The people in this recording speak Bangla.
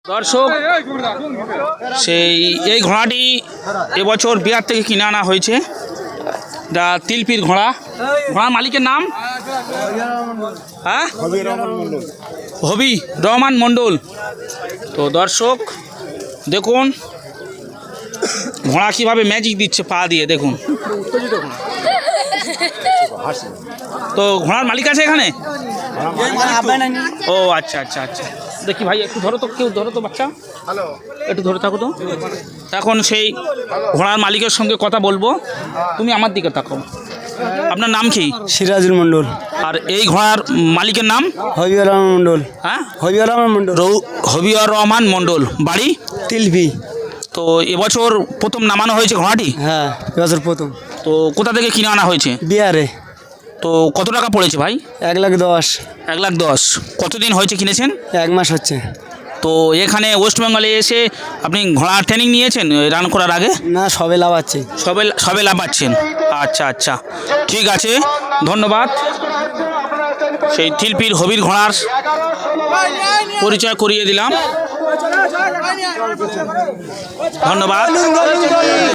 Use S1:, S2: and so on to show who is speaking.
S1: দর্শক, এই ঘোড়াটি এবছর বিহার থেকে কিনে আনা হয়েছে। যা তিলপির ঘোড়ার মালিকের নাম হবি রহমান মণ্ডল। তো দর্শক দেখুন ঘোড়া কীভাবে ম্যাজিক দিচ্ছে পা দিয়ে, দেখুন। তো ঘোড়ার মালিক আছে এখানে? ও আচ্ছা আচ্ছা আচ্ছা, দেখি ভাই একটু ধরো তো, কেউ ধরো তো বাচ্চা, একটু ধরে থাকো তো। এখন সেই ঘোড়ার মালিকের সঙ্গে কথা বলবো, তুমি আমার দিকে থাকো। আপনার নাম কি?
S2: সিরাজুল মণ্ডল।
S1: আর এই ঘোড়ার মালিকের নাম?
S2: হবিউর রহমান মণ্ডল।
S1: হ্যাঁ,
S2: হবিউর রহমান মণ্ডল।
S1: হবিউর রহমান মণ্ডল। বাড়ি?
S2: তিলপি।
S1: তো এবছর প্রথম নামানো হয়েছে ঘোড়াটি?
S2: হ্যাঁ, এবছর প্রথম।
S1: তো কোথা থেকে কিনে আনা হয়েছে?
S2: বিহারে।
S1: তো কত টাকা পড়েছে ভাই?
S2: 1,10,000।
S1: 1,10,000। কতদিন হয়েছে কিনেছেন?
S2: 1 মাস হচ্ছে।
S1: তো এখানে ওয়েস্ট বেঙ্গলে এসে আপনি ঘোড়া ট্রেনিং নিয়েছেন রান করার আগে?
S2: না, সবে লাভাচ্ছে।
S1: সবে লাফাচ্ছেন। আচ্ছা আচ্ছা, ঠিক আছে, ধন্যবাদ। সেই তিলপির হবির ঘোড়ার পরিচয় করিয়ে দিলাম, ধন্যবাদ।